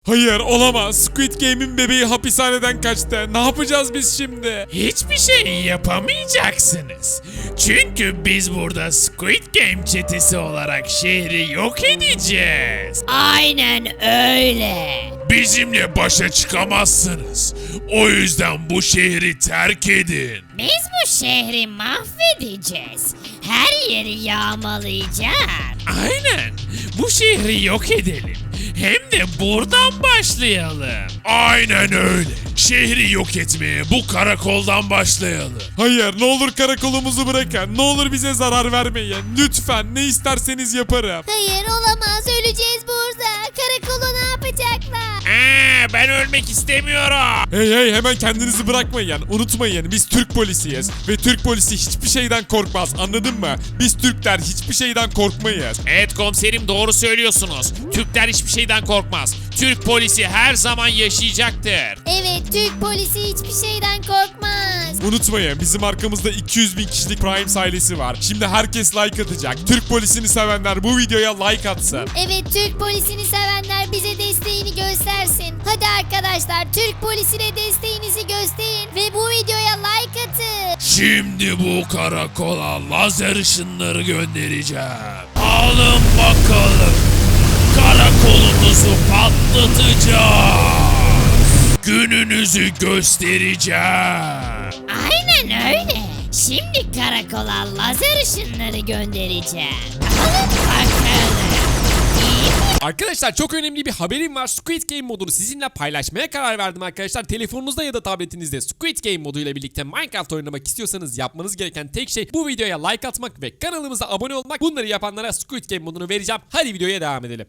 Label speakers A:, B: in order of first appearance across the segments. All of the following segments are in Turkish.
A: Hayır olamaz. Squid Game'in bebeği hapishaneden kaçtı. Ne yapacağız biz şimdi?
B: Hiçbir şey yapamayacaksınız. Çünkü biz burada Squid Game çetesi olarak şehri yok edeceğiz.
C: Aynen öyle.
B: Bizimle başa çıkamazsınız. O yüzden bu şehri terk edin.
C: Biz bu şehri mahvedeceğiz. Her yeri yağmalayacağız.
B: Aynen. Bu şehri yok edelim. Hem de buradan başlayalım. Aynen öyle. Şehri yok etmeye bu karakoldan başlayalım.
A: Hayır ne olur karakolumuzu bırakın. Ne olur bize zarar vermeyin. Lütfen ne isterseniz yaparım.
C: Hayır olamaz, öleceğiz burada. Karakolu ne yapacaklar?
B: Ben ölmek istemiyorum.
A: Hey hemen kendinizi bırakmayın. Unutmayın biz Türk polisiyiz. Ve Türk polisi hiçbir şeyden korkmaz, anladın mı? Biz Türkler hiçbir şeyden korkmayız.
B: Evet komiserim, doğru söylüyorsunuz. Türkler hiçbir şeyden korkmaz. Türk polisi her zaman yaşayacaktır.
C: Evet, Türk polisi hiçbir şeyden korkmaz.
A: Unutmayın bizim arkamızda 200 bin kişilik Prime ailesi var. Şimdi herkes like atacak. Türk polisini sevenler bu videoya like atsın.
C: Evet, Türk polisini sevenler bize desteğini göstersin. Hadi arkadaşlar, Türk polisine desteğinizi gösterin ve bu videoya like atın.
B: Şimdi bu karakola lazer ışınları göndereceğim. Alın bakalım. Karakolunuzu patlatacağız. Gününüzü göstereceğim.
C: Aynen öyle. Şimdi karakola lazer ışınları göndereceğim. Alın bakalım.
D: Arkadaşlar çok önemli bir haberim var. Squid Game modunu sizinle paylaşmaya karar verdim arkadaşlar. Telefonunuzda ya da tabletinizde Squid Game moduyla birlikte Minecraft oynamak istiyorsanız yapmanız gereken tek şey bu videoya like atmak ve kanalımıza abone olmak. Bunları yapanlara Squid Game modunu vereceğim. Hadi videoya devam edelim.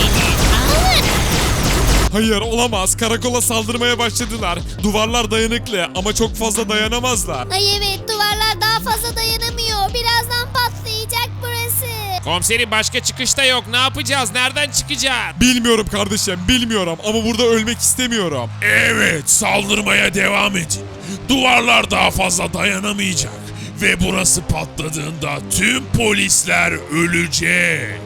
A: Hayır olamaz, karakola saldırmaya başladılar. Duvarlar dayanıklı ama çok fazla dayanamazlar.
C: Ay evet, duvarlar daha fazla dayanamıyor. Birazdan patlayacak burası.
B: Komiserim başka çıkışta yok. Ne yapacağız? Nereden çıkacağız?
A: Bilmiyorum kardeşim, bilmiyorum ama burada ölmek istemiyorum.
B: Evet, saldırmaya devam edin. Duvarlar daha fazla dayanamayacak. Ve burası patladığında tüm polisler ölecek.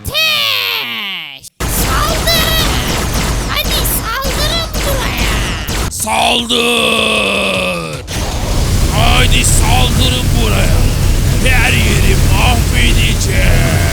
C: Ateş! Saldırın! Hadi saldırın buraya.
B: Saldır! Haydi saldırın buraya. Her yeri mahvedeceğiz.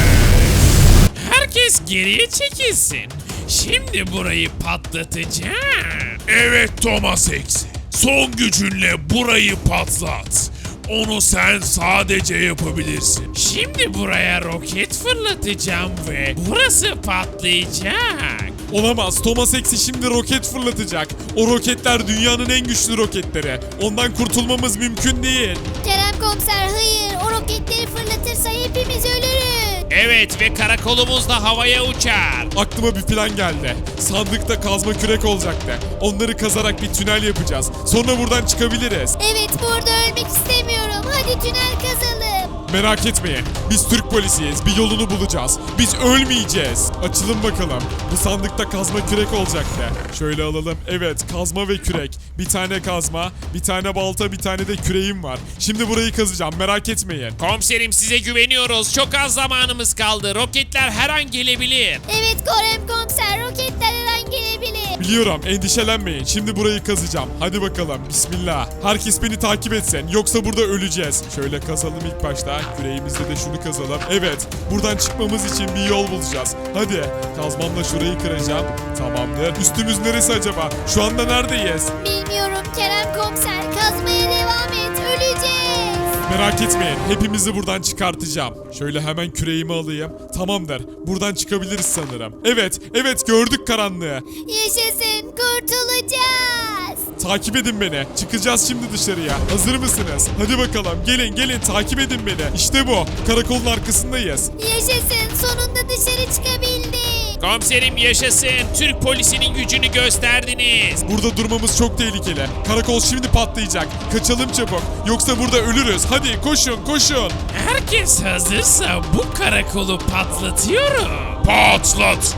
B: Herkes geriye çekilsin. Şimdi burayı patlatacağım. Evet Thomas Hex. Son gücünle burayı patlat. Onu sen sadece yapabilirsin. Şimdi buraya roket fırlatacağım ve burası patlayacak.
A: Olamaz, Thomas Hex şimdi roket fırlatacak. O roketler dünyanın en güçlü roketleri. Ondan kurtulmamız mümkün değil.
C: Kerem komiser, hayır. O roketleri fırlatırsa hepimiz ölürüz.
B: Evet ve karakolumuz da havaya uçar.
A: Aklıma bir plan geldi. Sandıkta kazma kürek olacaktı. Onları kazarak bir tünel yapacağız. Sonra buradan çıkabiliriz.
C: Evet, burada ölmek istemiyorum. Hadi tünel kazalım.
A: Merak etmeyin. Biz Türk polisiyiz. Bir yolunu bulacağız. Biz ölmeyeceğiz. Açılın bakalım. Bu sandıkta kazma kürek olacaktı. Şöyle alalım. Evet, kazma ve kürek. Bir tane kazma, bir tane balta, bir tane de küreğim var. Şimdi burayı kazacağım. Merak etmeyin.
B: Komiserim size güveniyoruz. Çok az zamanımız kaldı. Roketler her an gelebilir.
C: Evet Kerem komiser, roketler her an gelebilir.
A: Biliyorum, endişelenmeyin. Şimdi burayı kazacağım. Hadi bakalım. Bismillah. Herkes beni takip etsin. Yoksa burada öleceğiz. Şöyle kazalım ilk başta. Küreğimizde de şunu kazalım. Evet. Buradan çıkmamız için bir yol bulacağız. Hadi. Kazmamla şurayı kıracağım. Tamamdır. Üstümüz neresi acaba? Şu anda neredeyiz?
C: Bilmiyorum Kerem komiser, kazmaya devam et, öleceğiz.
A: Merak etmeyin. Hepimizi buradan çıkartacağım. Şöyle hemen küreğimi alayım. Tamamdır. Buradan çıkabiliriz sanırım. Evet gördük karanlığı.
C: Yaşasın, kurtulacağız.
A: Takip edin beni. Çıkacağız şimdi dışarıya. Hazır mısınız? Hadi bakalım. Gelin takip edin beni. İşte bu. Karakolun arkasındayız.
C: Yaşasın, sonunda dışarı çıkabildik.
B: Komiserim yaşasın. Türk polisinin gücünü gösterdiniz.
A: Burada durmamız çok tehlikeli. Karakol şimdi patlayacak. Kaçalım çabuk. Yoksa burada ölürüz. Hadi koşun.
B: Herkes hazırsa bu karakolu patlatıyorum. Patlat.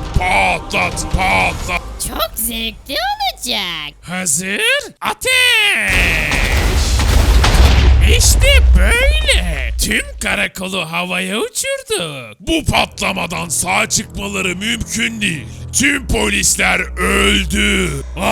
C: Çok zevkli olacak.
B: Hazır. Ateş. İşte böyle. Tüm karakolu havaya uçurduk. Bu patlamadan sağ çıkmaları mümkün değil. Tüm polisler öldü.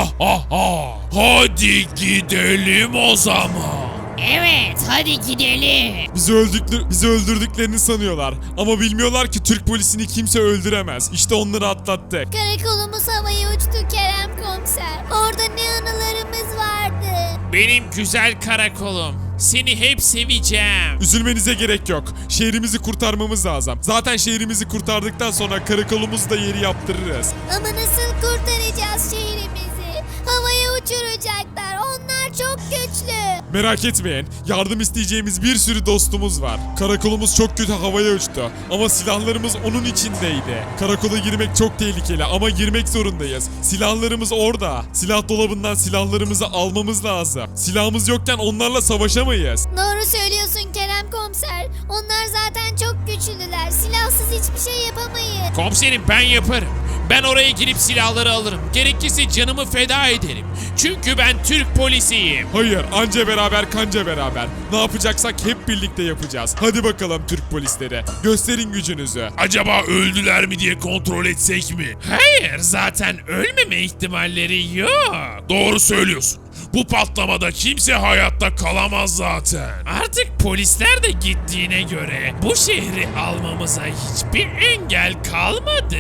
B: Hadi gidelim o zaman.
C: Evet hadi gidelim.
A: Bizi öldürdüklerini sanıyorlar. Ama bilmiyorlar ki Türk polisini kimse öldüremez. İşte onları atlattık.
C: Karakolumuz havaya uçtu Kerem komiser. Orada ne anılarımız vardı.
B: Benim güzel karakolum. Seni hep seveceğim.
A: Üzülmenize gerek yok. Şehrimizi kurtarmamız lazım. Zaten şehrimizi kurtardıktan sonra karakolumuzu da yeri yaptırırız.
C: Ama nasıl kurtaracağız şehrimizi? Havaya uçuracaklar. Onlar çok güçlü.
A: Merak etmeyin. Yardım isteyeceğimiz bir sürü dostumuz var. Karakolumuz çok kötü havaya uçtu. Ama silahlarımız onun içindeydi. Karakola girmek çok tehlikeli ama girmek zorundayız. Silahlarımız orada. Silah dolabından silahlarımızı almamız lazım. Silahımız yokken onlarla savaşamayız.
C: Doğru söylüyorsun Kerem komiser. Onlar zaten çok güçlüler. Silahsız hiçbir şey yapamayız.
B: Komiserim ben yaparım. Ben oraya girip silahları alırım. Gerekirse canımı feda ederim. Çünkü ben Türk polisiyim.
A: Hayır, anca beraber kanca beraber. Ne yapacaksak hep birlikte yapacağız. Hadi bakalım Türk polisleri. Gösterin gücünüzü.
B: Acaba öldüler mi diye kontrol etsek mi? Hayır, zaten ölmeme ihtimalleri yok. Doğru söylüyorsun. Bu patlamada kimse hayatta kalamaz zaten. Artık polisler de gittiğine göre bu şehri almamıza hiçbir engel kalmadı.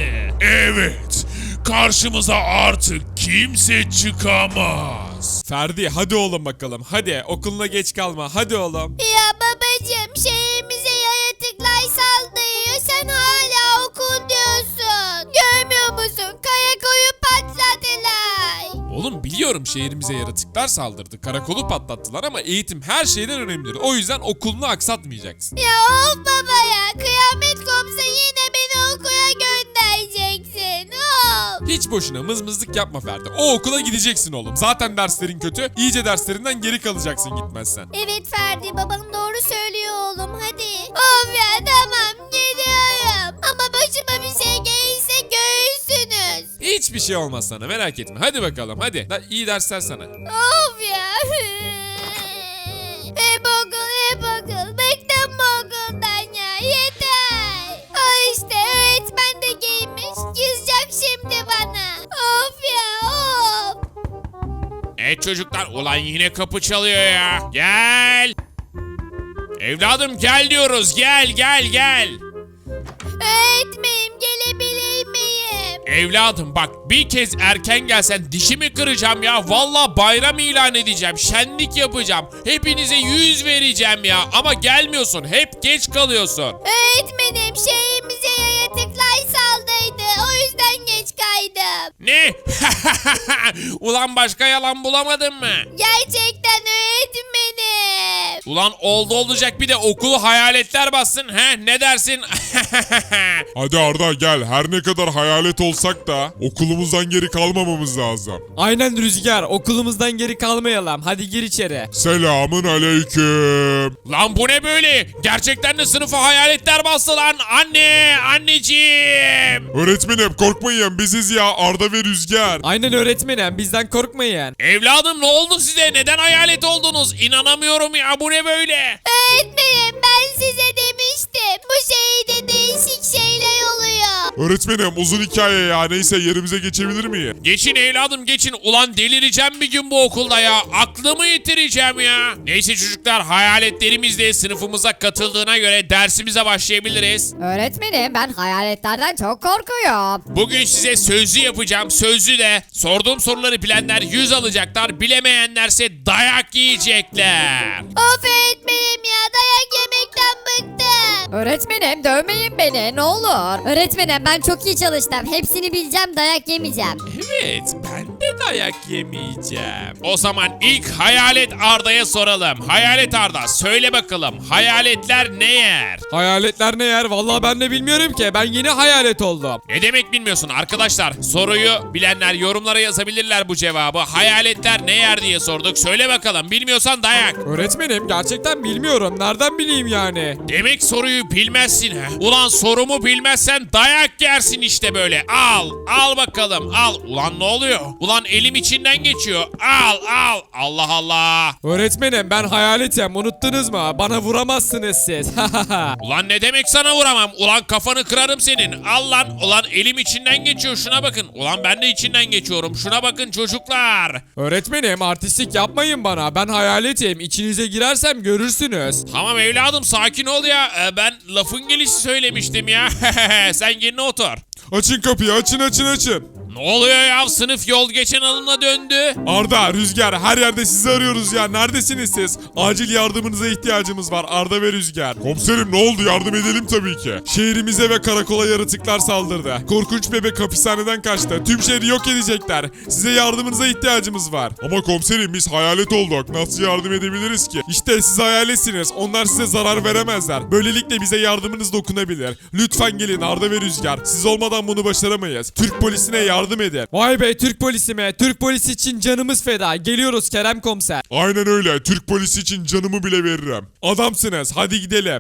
B: Evet, karşımıza artık kimse çıkamaz.
A: Ferdi hadi oğlum bakalım. Hadi okuluna geç kalma. Hadi oğlum.
C: Ya babacığım şehrimize yaratıklar saldırıyor. Sen hala okul diyorsun. Görmüyor musun? Karakoyu patladılar.
D: Oğlum biliyorum şehrimize yaratıklar saldırdı. Karakolu patlattılar ama eğitim her şeyden önemlidir. O yüzden okulunu aksatmayacaksın.
C: Ya of baba ya. Kıyamet kopsa yine beni okula göndereceksin. Of.
D: Hiç boşuna mızmızlık yapma Ferdi. O okula gideceksin oğlum. Zaten derslerin kötü. İyice derslerinden geri kalacaksın gitmezsen.
C: Evet Ferdi babam doğru söylüyor oğlum hadi. Of ya tamam gidiyorum. Ama başıma bir şey gelirse görürsünüz.
D: Hiçbir şey olmaz sana merak etme. Hadi bakalım hadi. İyi dersler sana.
C: Of ya. Hep okul. Bıktım bu okuldan ya. Yeter. İşte öğretmen de giymiş. Kızacak şimdi bana. Of ya of.
B: Çocuklar ulan yine kapı çalıyor ya. Gel. Evladım gel diyoruz. Gel.
C: Öğretmenim gelebilir miyim?
B: Evladım bak bir kez erken gelsen dişimi kıracağım ya. Valla bayram ilan edeceğim. Şenlik yapacağım. Hepinize 100 vereceğim ya. Ama gelmiyorsun. Hep geç kalıyorsun.
C: Öğretmenim şehrimize yaratıklar saldırdı. O yüzden geç kaydım.
B: Ne? Ulan başka yalan bulamadın mı?
C: Gerçekten öğretmenim.
B: Ulan olacak bir de okulu hayaletler bassın. He ne dersin?
A: Hadi Arda gel. Her ne kadar hayalet olsak da okulumuzdan geri kalmamamız lazım.
E: Aynen Rüzgar, okulumuzdan geri kalmayalım. Hadi gir içeri.
A: Selamın aleyküm.
B: Lan bu ne böyle? Gerçekten de sınıfa hayaletler bastı lan. Anneciğim.
A: Öğretmenim korkmayın biziz ya Arda ve Rüzgar.
E: Aynen öğretmenim, bizden korkmayın.
B: Evladım ne oldu size? Neden hayalet oldunuz? İnanamıyorum ya bu ne böyle?
C: Öğretmenim ben size demiştim. Bu şehirde değişik şeyler oluyor.
A: Öğretmenim uzun hikaye ya neyse yerimize geçebilir miyim?
B: Geçin evladım geçin. Ulan delireceğim bir gün bu okulda ya. Aklımı yitireceğim ya. Neyse çocuklar hayaletlerimiz de sınıfımıza katıldığına göre dersimize başlayabiliriz.
F: Öğretmenim ben hayaletlerden çok korkuyorum.
B: Bugün size sözlü yapacağım. Sözlü de sorduğum soruları bilenler 100 alacaklar. Bilemeyenlerse dayak yiyecekler.
C: Of öğretmenim ya dayak yemekten bıktım.
F: Öğretmenim dövmeyin beni ne olur. Öğretmenim ben çok iyi çalıştım. Hepsini bileceğim, dayak yemeyeceğim.
B: Evet, ben de dayak yemeyeceğim. O zaman ilk Hayalet Arda'ya soralım. Hayalet Arda, söyle bakalım hayaletler ne yer?
E: Hayaletler ne yer? Vallahi ben de bilmiyorum ki. Ben yeni hayalet oldum.
B: Ne demek bilmiyorsun arkadaşlar? Soruyu bilenler yorumlara yazabilirler bu cevabı. Hayaletler ne yer diye sorduk. Söyle bakalım, bilmiyorsan dayak.
E: Öğretmenim gerçekten bilmiyorum. Nereden bileyim yani?
B: Demek soruyu bilmezsin ha? Ulan sorumu bilmezsen dayak dayak yersin işte böyle. Al. Al bakalım. Al. Ulan ne oluyor? Ulan elim içinden geçiyor. Al. Al. Allah Allah.
E: Öğretmenim ben hayaletim unuttunuz mu? Bana vuramazsınız siz.
B: Ulan ne demek sana vuramam? Ulan kafanı kırarım senin. Al lan. Ulan elim içinden geçiyor. Şuna bakın. Ulan ben de içinden geçiyorum. Şuna bakın çocuklar.
E: Öğretmenim artistlik yapmayın bana. Ben hayaletim. İçinize girersem görürsünüz.
B: Tamam evladım sakin ol ya. Ben lafın gelişi söylemiştim ya. Sen yerine otur.
A: Açın kapıyı, açın.
B: Ne oluyor ya? Sınıf yol geçen alımla döndü.
A: Arda, Rüzgar, her yerde sizi arıyoruz ya. Neredesiniz siz? Acil yardımınıza ihtiyacımız var Arda ve Rüzgar. Komiserim ne oldu? Yardım edelim tabii ki. Şehrimize ve karakola yaratıklar saldırdı. Korkunç bebek hapishaneden kaçtı. Tüm şehri yok edecekler. Size yardımınıza ihtiyacımız var. Ama komiserim biz hayalet olduk. Nasıl yardım edebiliriz ki? İşte siz hayaletsiniz. Onlar size zarar veremezler. Böylelikle bize yardımınız dokunabilir. Lütfen gelin Arda ve Rüzgar. Siz olmadan bunu başaramayız. Türk polisine yardım edin.
E: Vay be Türk polisi mi? Türk polisi için canımız feda. Geliyoruz Kerem komiser.
A: Aynen öyle. Türk polisi için canımı bile veririm. Adamsınız. Hadi gidelim.